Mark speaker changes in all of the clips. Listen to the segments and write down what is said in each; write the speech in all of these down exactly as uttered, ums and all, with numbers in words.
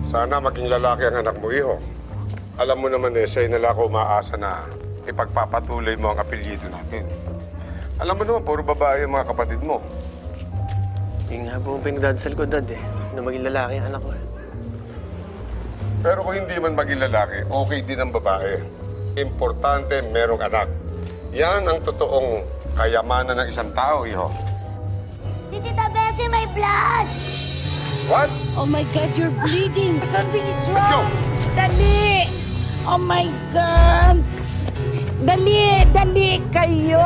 Speaker 1: Sana maging lalaki ang anak mo, iho. Alam mo naman eh, sa'yo nila ako umaasa na ipagpapatuloy mo ang apelyido natin. Alam mo naman, puro babae ang mga kapatid mo.
Speaker 2: Yung nga po ang pinagdadasal ko, Dad, eh. Na maging lalaki ang anak ko.
Speaker 1: Pero kung hindi man maging lalaki, okay din ang babae. Importante, merong anak. Yan ang totoong kayamanan ng isang tao, iho.
Speaker 3: Si Tita Bessie may blood!
Speaker 1: What?
Speaker 4: Oh my God, you're bleeding! Something is wrong!
Speaker 1: Let's go!
Speaker 4: Dali! Oh my God! Dali! Dali kayo!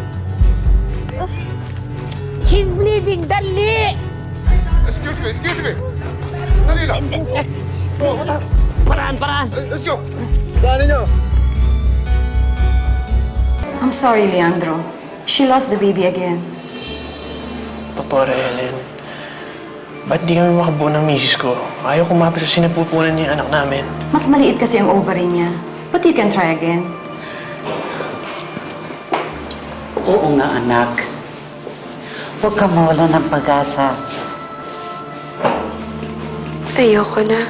Speaker 4: She's bleeding! Dali!
Speaker 1: Excuse me, excuse me! Dali lang! Oh, what the?
Speaker 4: Paraan, paraan!
Speaker 1: Let's go! Daanin niyo!
Speaker 5: I'm sorry, Leandro. She lost the baby again.
Speaker 2: Doktora Ellen, ba't di kami makabuo ng misis ko? Ayaw kumapit sa sinapupunan niya yung anak namin.
Speaker 5: Mas maliit kasi ang ovary niya. But you can try again.
Speaker 6: Oo nga, anak. Huwag ka mawala ng pag-asa.
Speaker 7: Ayoko na.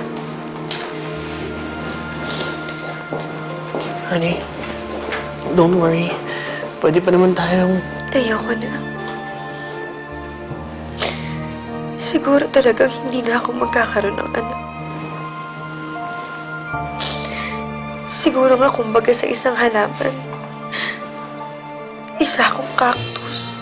Speaker 2: Honey, don't worry. Pwede pa naman tayong...
Speaker 7: Ayoko na. Siguro talagang hindi na ako magkakaroon ng anak. Siguro nga kumbaga sa isang halaman, isa akong cactus.